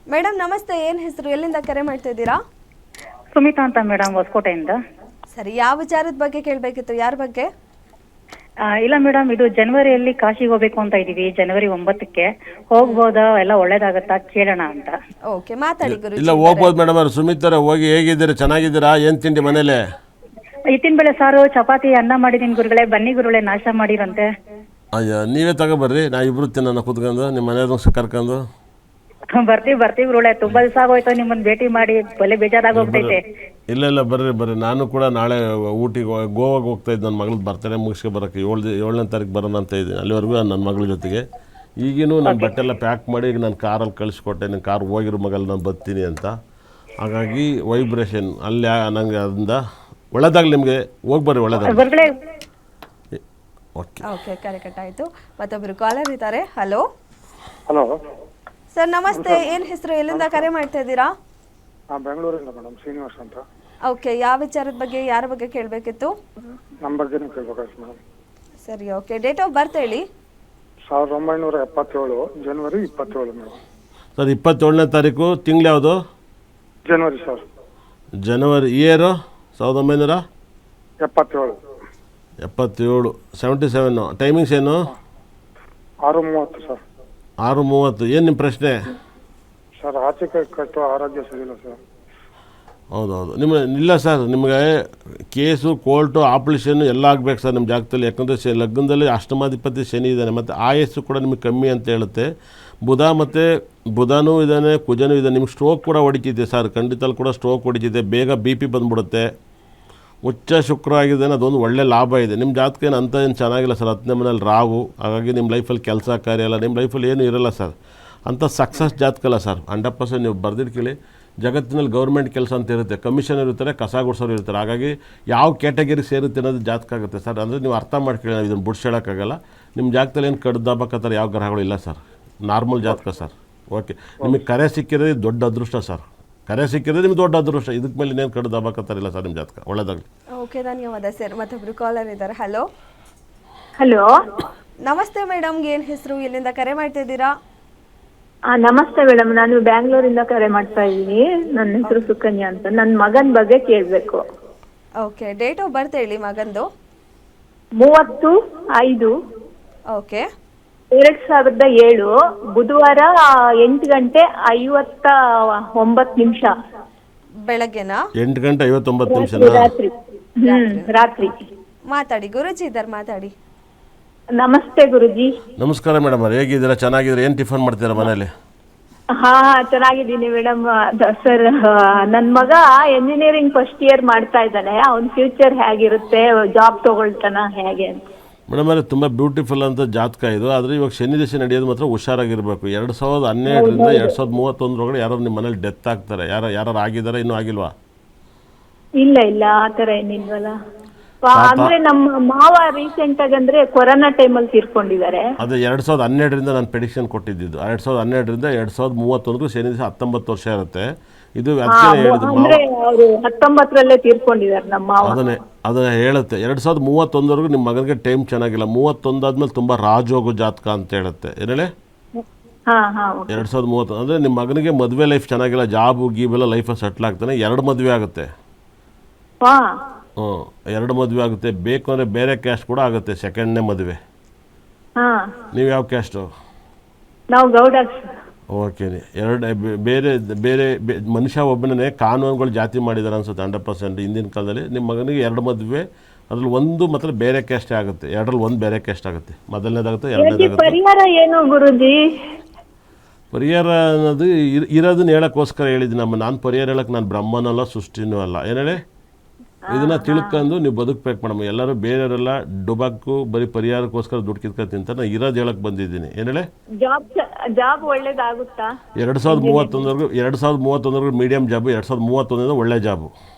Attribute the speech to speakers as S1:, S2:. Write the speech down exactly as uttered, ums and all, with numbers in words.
S1: Madam ನಮಸ್ತೆ, ಏನು ಹೆಸರು, ಎಲ್ಲಿಂದ ಕರೆ ಮಾಡ್ತಾ ಇದ್ದೀರಾ?
S2: ಸುಮಿತಾ ಅಂತ ಮೇಡಮ್, ಹೊಸಕೋಟೆಯಿಂದ.
S1: ಸರಿ, ಯಾವ ವಿಚಾರದ ಬಗ್ಗೆ ಕೇಳಬೇಕಿತ್ತು? ಯಾರ ಬಗ್ಗೆ?
S2: ಆ, ಇಲ್ಲ ಮೇಡಮ್, ಇದು ಜನವರಿಯಲ್ಲಿ ಕಾಶಿಗೆ ಹೋಗ್ಬೇಕು ಅಂತ ಇದೀವಿ. ಜನವರಿ ಒಂಬತ್ತಕ್ಕೆ ಹೋಗ್ಬೋದಾ, ಎಲ್ಲ ಒಳ್ಳೇದಾಗತ್ತಾ ಕೇಳೋಣ ಅಂತ.
S1: ಓಕೆ, ಮಾತಾಡಿ ಗುರು.
S3: ಇಲ್ಲ ಹೋಗ್ಬೋದು ಮೇಡಮ್ ಅವ್ರು. ಸುಮಿತರ ಹೋಗಿ ಹೇಗಿದ್ದೀರಾ? ಚೆನ್ನಾಗಿದ್ದೀರಾ? ಏನು ತಿಂಡಿ ಮನೇಲೆ?
S2: ಇತ್ತಿನ ಬೆಳೆ ಸಾರು ಚಪಾತಿ ಅನ್ನ ಮಾಡಿದೀನಿ ಗುರುಗಳೇ. ಬನ್ನಿ ಗುರುಗಳೇ, ನಾಶ ಮಾಡಿರಂತೆ.
S3: ಅಯ್ಯ, ನೀವೇ ತಗೊಬರ್ರಿ, ನಾ ಇಬ್ರು ತಿನ್ನೋಣ ಕೂತ್ಕೊಂಡು ನಿಮ್ಮ ಮನೆಯವ್ರ ಕರ್ಕೊಂಡು.
S2: ಬರ್ತೀವಿ ಬರ್ತೀವಿ ಗುರುಗಳೇ, ತುಂಬಾ ದಿವಸ ಆಗೋಯ್ತು ನಿಮ್ಮನ್ನ ಭೇಟಿ ಮಾಡಿ, ಬಲೆ ಬೇಜಾರಾಗೋಗ್ತೈತೆ.
S3: ಇಲ್ಲ ಇಲ್ಲ ಬರ್ರಿ ಬರ್ರಿ. ನಾನು ಕೂಡ ನಾಳೆ ಊಟಿಗೆ ಗೋವಾಗೆ ಹೋಗ್ತಾ ಇದ್ದೆ. ನನ್ನ ಮಗಳದ್ದು ಬರ್ತಡೇ ಮುಗಿಸ್ಕೊ ಬರೋಕ್ಕೆ ಏಳು ಏಳನೇ ತಾರೀಕು ಬರೋಣ ಅಂತ ಇದ್ದೀನಿ. ಅಲ್ಲಿವರೆಗೂ ನನ್ನ ಮಗಳ ಜೊತೆಗೆ ಈಗಿನೂ ನನ್ನ ಬಟ್ಟೆ ಎಲ್ಲ ಪ್ಯಾಕ್ ಮಾಡಿ ಈಗ ನಾನು ಕಾರಲ್ಲಿ ಕಳಿಸ್ಕೊಟ್ಟೆ. ನನ್ನ ಕಾರ್ ಹೋಗಿರೋ ಮಗಲ್ಲಿ ನಾನು ಬರ್ತೀನಿ ಅಂತ. ಹಾಗಾಗಿ ವೈಬ್ರೇಷನ್ ಅಲ್ಲಿ ನನಗೆ ಅದರಿಂದ ಒಳ್ಳೇದಾಗಲಿ, ನಿಮಗೆ ಹೋಗಿ ಬರ್ರಿ, ಒಳ್ಳೇದಾಗಲಿ.
S2: ಗುರುಗಳೇ,
S3: ಓಕೆ
S1: ಓಕೆ, ಕರೆ ಕಟ್ಟಾಯಿತು. ಮತ್ತೊಬ್ಬರು ಕಾಲರ್ ಇದ್ದಾರೆ. ಹಲೋ
S4: ಹಲೋ
S1: ಸರ್, ನಮಸ್ತೆ. ಏನು ಹೆಸರು, ಎಲ್ಲಿಂದ ಕರೆ ಮಾಡ್ತಾ ಇದ್ದೀರಾ?
S4: ಹಾಂ, ಬೆಂಗಳೂರಿಂದ ಮೇಡಮ್, ಶ್ರೀನಿವಾಸ್ ಅಂತ.
S1: ಓಕೆ, ಯಾವ ವಿಚಾರದ ಬಗ್ಗೆ, ಯಾರ ಬಗ್ಗೆ ಕೇಳಬೇಕಿತ್ತು?
S4: ನಮ್ಮ ಬಗ್ಗೆನೇ ಕೇಳ್ಬೇಕಾಯ್ತು ಮೇಡಮ್.
S1: ಸರಿ, ಓಕೆ. ಡೇಟ್ ಆಫ್ ಬರ್ತ್ ಹೇಳಿ.
S4: ಸಾವಿರದ ಒಂಬೈನೂರ ಎಪ್ಪತ್ತೇಳು ಜನವರಿ ಇಪ್ಪತ್ತೇಳು ಮೇಡಮ್.
S3: ಸರ್, ಇಪ್ಪತ್ತೇಳನೇ ತಾರೀಕು ತಿಂಗಳು ಯಾವುದು?
S4: ಜನವರಿ ಸರ್.
S3: ಜನವರಿ. ಇಯರು ಸಾವಿರದ ಒಂಬೈನೂರ
S4: ಎಪ್ಪತ್ತೇಳು
S3: ಎಪ್ಪತ್ತೇಳು ಸೆವೆಂಟಿ ಸೆವೆನ್ನು. ಟೈಮಿಂಗ್ಸ್ ಏನು?
S4: ಆರು ಮೂವತ್ತು ಸರ್.
S3: ಆರು ಮೂವತ್ತು. ಏನು ನಿಮ್ಮ ಪ್ರಶ್ನೆ?
S4: ಸರ್, ಆಚೆ ಕೈ ಕಟ್ಟು ಆರೋಗ್ಯ ಸರಿಯಿಲ್ಲ ಸರ್.
S3: ಹೌದೌದು. ನಿಮ್ಮ ಇಲ್ಲ ಸರ್, ನಿಮಗೆ ಕೇಸು, ಕೋರ್ಟು, ಆಪ್ರೇಷನ್ನು ಎಲ್ಲ ಆಗಬೇಕು ಸರ್ ನಿಮ್ಮ ಜಾಗದಲ್ಲಿ. ಯಾಕಂದರೆ ಶ ಲಗ್ನದಲ್ಲಿ ಅಷ್ಟಮಾಧಿಪತಿ ಶನಿ ಇದ್ದಾನೆ, ಮತ್ತು ಆಯಸ್ಸು ಕೂಡ ನಿಮಗೆ ಕಮ್ಮಿ ಅಂತ ಹೇಳುತ್ತೆ. ಬುಧ ಮತ್ತು ಬುಧನೂ ಇದ್ದಾನೆ, ಕುಜನೂ ಇದ್ದಾನೆ. ನಿಮ್ಗೆ ಸ್ಟ್ರೋಕ್ ಕೂಡ ಹೊಡಿತಿದೆ ಸರ್, ಖಂಡಿತ ಕೂಡ ಸ್ಟ್ರೋಕ್ ಹೊಡಿತಿದೆ. ಬೇಗ ಬಿ ಪಿ ಬಂದುಬಿಡುತ್ತೆ. ಉಚ್ಚ ಶುಕ್ರ ಆಗಿದ್ದಾನೆ, ಅದೊಂದು ಒಳ್ಳೆ ಲಾಭ ಇದೆ. ನಿಮ್ಮ ಜಾತಕ ಏನು ಅಂತ ಏನು ಚೆನ್ನಾಗಿಲ್ಲ ಸರ್. ಹತ್ತನೇ ಮನೇಲಿ ರಾಹು, ಹಾಗಾಗಿ ನಿಮ್ಮ ಲೈಫಲ್ಲಿ ಕೆಲಸ ಕಾರ್ಯ ಎಲ್ಲ, ನಿಮ್ಮ ಲೈಫಲ್ಲಿ ಏನೂ ಇರೋಲ್ಲ ಸರ್. ಅಂಥ ಸಕ್ಸಸ್ ಜಾತಕ ಅಲ್ಲ ಸರ್. ಹಂಡ್ರೆಡ್ ಪರ್ಸೆಂಟ್ ನೀವು ಬರ್ದಿಟ್ಕೊಳ್ಳಿ. ಜಗತ್ತಿನಲ್ಲಿ ಗೌರ್ಮೆಂಟ್ ಕೆಲಸ ಅಂತ ಇರುತ್ತೆ, ಕಮಿಷನ್ ಇರ್ತಾರೆ, ಕಸ ಗುಡ್ಸೋರು ಇರ್ತಾರೆ. ಹಾಗಾಗಿ ಯಾವ ಕ್ಯಾಟಗರಿ ಸೇರುತ್ತೆ ಅನ್ನೋದು ಜಾತಕ ಆಗುತ್ತೆ ಸರ್. ಅಂದರೆ ನೀವು ಅರ್ಥ ಮಾಡ್ಕೊಳ್ಳಿ, ನಾವು ಇದನ್ನು ಬಿಡ್ಸೋಕ್ಕಾಗಲ್ಲ. ನಿಮ್ಮ ಜಾತಕದಲ್ಲಿ ಏನು ಕಡ್ದಾಬಕತ್ತಾರೆ ಯಾವ ಗ್ರಹಗಳು ಇಲ್ಲ ಸರ್. ನಾರ್ಮಲ್ ಜಾತಕ ಸರ್. ಓಕೆ, ನಿಮಗೆ ಕರೆ ಸಿಕ್ಕಿರೋದು ದೊಡ್ಡ ಅದೃಷ್ಟ ಸರ್. ಕರೆ ಸಿಕ್ಕಿರೋದು ನಿಮ್ಗೆ ದೊಡ್ಡ ಅದೃಷ್ಟ. ಇದಕ್ಕೆ ಮೇಲೆ ಇನ್ನೇನು ಕಡ್ದಾಬಕತ್ತಾರಿಲ್ಲ ಸರ್ ನಿಮ್ಮ ಜಾತಕ. ಒಳ್ಳೆದಾಗಲಿ.
S1: ಓಕೆ, ಧನ್ಯವಾದ ಸರ್. ಮತ್ತೊಬ್ಬರು ಕಾಲರ್ ಇದ್ದಾರೆ. ಹಲೋ
S5: ಹಲೋ,
S1: ನಮಸ್ತೆ ಮೇಡಮ್ಗೆ, ಏನು ಹೆಸರು, ಎಲ್ಲಿಂದ ಕರೆ ಮಾಡ್ತಾ ಇದ್ದೀರಾ?
S5: ಆ, ನಮಸ್ತೆ ಮೇಡಮ್, ನಾನು ಬ್ಯಾಂಗ್ಳೂರಿಂದ ಕರೆ ಮಾಡ್ತಾ ಇದ್ದೀನಿ. ನನ್ನ ಹೆಸರು ಸುಕನ್ಯಾ ಅಂತ. ನನ್ನ ಮಗನ ಬಗ್ಗೆ ಕೇಳಬೇಕು.
S1: ಓಕೆ, ಡೇಟ್ ಆಫ್ ಬರ್ತ್ ಹೇಳಿ ಮಗಂದು.
S5: ಮೂವತ್ತು ಐದು
S1: ಓಕೆ,
S5: ಎರಡ್ ಸಾವಿರದ ಏಳು ಬುಧವಾರ ಎಂಟು ಗಂಟೆ ಐವತ್ತ ಒಂಬತ್ತು ನಿಮಿಷ
S1: ಬೆಳಗ್ಗೆನಾ?
S3: ಎಂಟು ಗಂಟೆ ಐವತ್ತೊಂಬತ್ತು ನಿಮಿಷ
S5: ರಾತ್ರಿ. ಹ್ಮ್ ರಾತ್ರಿ.
S1: ಮಾತಾಡಿ ಗುರುಜಿ ಇದ್ದಾರೆ, ಮಾತಾಡಿ.
S5: ನಮಸ್ತೆ ಗುರುಜಿ.
S3: ನಮಸ್ಕಾರ ಮೇಡಮ್ ಅವ್ರು, ಹೇಗಿದ್ದೀರಾ? ಚೆನ್ನಾಗಿದ್ದೀರಾ? ಏನು ಟಿಫನ್ ಮಾಡ್ತೀರಾ ಮನೇಲಿ?
S5: ಹಾ ಚೆನ್ನಾಗಿದ್ದೀನಿ ಮೇಡಮ್. ಸರ್, ನನ್ನ ಮಗ ಎಂಜಿನಿಯರಿಂಗ್ ಫಸ್ಟ್ ಇಯರ್ ಮಾಡ್ತಾ ಇದ್ದಾನೆ. ಅವ್ನ ಫ್ಯೂಚರ್ ಹೇಗಿರುತ್ತೆ, ಜಾಬ್ ತಗೊಳ್ತಾನ ಹೇಗೆ ಅಂತ?
S3: ಮೇಡಮ್ ಅವರೇ, ತುಂಬ ಬ್ಯೂಟಿಫುಲ್ ಅಂತ ಜಾತಕ ಇದು. ಆದರೆ ಇವಾಗ ಶನಿ ದಶೆ ನಡೆಯೋದು ಮಾತ್ರ ಹುಷಾರಾಗಿರಬೇಕು. ಎರಡು ಸಾವಿರದ ಹನ್ನೆರಡರಿಂದ ಎರಡು ಸಾವಿರದ ಮೂವತ್ತೊಂದರೊಳಗಡೆ ಯಾರು ನಿಮ್ಮ ಮನೇಲಿ ಡೆತ್ ಆಗ್ತಾರೆ. ಯಾರು ಯಾರು ಆಗಿದ್ದಾರೆ, ಇನ್ನೂ ಆಗಿಲ್ವಾ?
S5: ಇಲ್ಲ ಇಲ್ಲ, ಆತರ ಏನಿಲ್ವಲ್ಲ. ಅಂದ್ರೆ ನಮ್ಮ ಮಾವ ರೀಸೆಂಟ್ ಆಗಿ ಅಂದ್ರೆ ಕೊರೋನಾ ಟೈಮಲ್ಲಿ ತೀರ್ಕೊಂಡಿದ್ದಾರೆ.
S3: ಅದೇ ಎರಡು ಸಾವಿರದ ಹನ್ನೆರಡರಿಂದ ನಾನು ಪ್ರೆಡಿಕ್ಷನ್ ಕೊಟ್ಟಿದ್ದು. ಎರಡು ಸಾವಿರದ ಹನ್ನೆರಡರಿಂದ ಎರಡು ಸಾವಿರದ ಮೂವತ್ತೊಂದಕ್ಕೂ ಶನಿ ದಿವಸ ಹತ್ತೊಂಬತ್ತು ವರ್ಷ ಇರುತ್ತೆ. ಇದು ಅದಕ್ಕೆ ಹೇಳಿದ್ದು ಮಾವ.
S5: ಅಂದ್ರೆ ಅವರು ಹತ್ತೊಂಬತ್ತರಲ್ಲೇ ತೀರ್ಕೊಂಡಿದ್ದಾರೆ ನಮ್ಮ ಮಾವ.
S3: ಅದನ್ನೇ ಅದನ್ನ ಹೇಳುತ್ತೆ. ಎರಡು ಸಾವಿರದ ಮೂವತ್ತೊಂದವರೆಗೂ ನಿಮ್ಮ ಮಗನಿಗೆ ಟೈಮ್ ಚೆನ್ನಾಗಿಲ್ಲ. ಮೂವತ್ತೊಂದಾದ್ಮೇಲೆ ತುಂಬ ರಾಜೋಗು ಜಾತಕ ಅಂತ ಹೇಳುತ್ತೆ. ಏನೇಳೆ
S5: ಹಾ ಹಾ
S3: ಎರಡು ಸಾವಿರದ ಮೂವತ್ತೊಂದು ಅಂದರೆ ನಿಮ್ಮ ಮಗನಿಗೆ ಮದುವೆ ಲೈಫ್ ಚೆನ್ನಾಗಿಲ್ಲ, ಜಾಬು ಗೀಬೆಲ್ಲ ಲೈಫಲ್ಲಿ ಸೆಟ್ಲ್ ಆಗ್ತಾನೆ. ಎರಡು ಮದುವೆ ಆಗುತ್ತೆ.
S5: ಹಾ
S3: ಹ್ಞೂ, ಎರಡು ಮದುವೆ ಆಗುತ್ತೆ. ಬೇಕು ಅಂದರೆ ಬೇರೆ ಕ್ಯಾಸ್ಟ್ ಕೂಡ ಆಗುತ್ತೆ, ಸೆಕೆಂಡ್ನೇ ಮದುವೆ.
S5: ಹಾ
S3: ನೀವು ಯಾವ ಕ್ಯಾಸ್ಟು?
S5: ನಾವು ಗೌಡ.
S3: ಓಕೆ, ಎರಡು ಬೇರೆ ಬೇರೆ ಮನುಷ್ಯ ಒಬ್ಬನೇ ಕಾನೂನುಗಳು ಜಾತಿ ಮಾಡಿದ್ದಾರೆ ಅನ್ಸುತ್ತೆ. ಹಂಡ್ರೆಡ್ ಪರ್ಸೆಂಟ್ ಹಿಂದಿನ ಕಾಲದಲ್ಲಿ ನಿಮ್ಮ ಮಗನಿಗೆ ಎರಡು ಮದುವೆ, ಅದ್ರಲ್ಲಿ ಒಂದು ಮಾತ್ರ ಬೇರೆ ಕ್ಯಾಸ್ಟೇ ಆಗುತ್ತೆ. ಎರಡರಲ್ಲಿ ಒಂದು ಬೇರೆ ಕ್ಯಾಸ್ಟ್ ಆಗುತ್ತೆ. ಮೊದಲನೇದಾಗುತ್ತೆ, ಎರಡನೇದಾಗುತ್ತೆ.
S5: ಪರಿಹಾರ ಏನು ಗುರುಜಿ?
S3: ಪರಿಹಾರ ಅನ್ನೋದು ಇರ್ ಇರೋದನ್ನ ಹೇಳೋಕ್ಕೋಸ್ಕರ ಹೇಳಿದ್ದೀನಿ ನಮ್ಮ. ನಾನು ಪರಿಹಾರ ಹೇಳಕ್ಕೆ ನಾನು ಬ್ರಹ್ಮನಲ್ಲ, ಸೃಷ್ಟಿನೂ ಅಲ್ಲ. ಏನೇಳಿ ಇದನ್ನು ತಿಳ್ಕೊಂಡು ನೀವು ಬದುಕಬೇಕು ಮೇಡಮ್. ಎಲ್ಲರೂ ಬೇರೆಯವರೆಲ್ಲ ಡುಬಾಕು ಬರೀ ಪರಿಹಾರಕ್ಕೋಸ್ಕರ ದುಡ್ಡು ಕಿತ್ಕೊಂಡು ತಿಂತ. ನಾನು ಇರೋದು ಹೇಳಕ್ಕೆ ಬಂದಿದ್ದೀನಿ. ಏನೇಳಿ
S5: ಜಾಬ್ ಜಾಬ್ ಒಳ್ಳೇದಾಗುತ್ತಾ?
S3: ಎರಡು ಸಾವಿರದ ಮೂವತ್ತೊಂದವರೆಗೂ ಎರಡು ಸಾವಿರದ ಮೂವತ್ತೊಂದವರೆಗೂ ಮೀಡಿಯಮ್ ಜಾಬು, ಎರಡು ಸಾವಿರದ ಮೂವತ್ತೊಂದರಿಂದ ಒಳ್ಳೆ ಜಾಬು.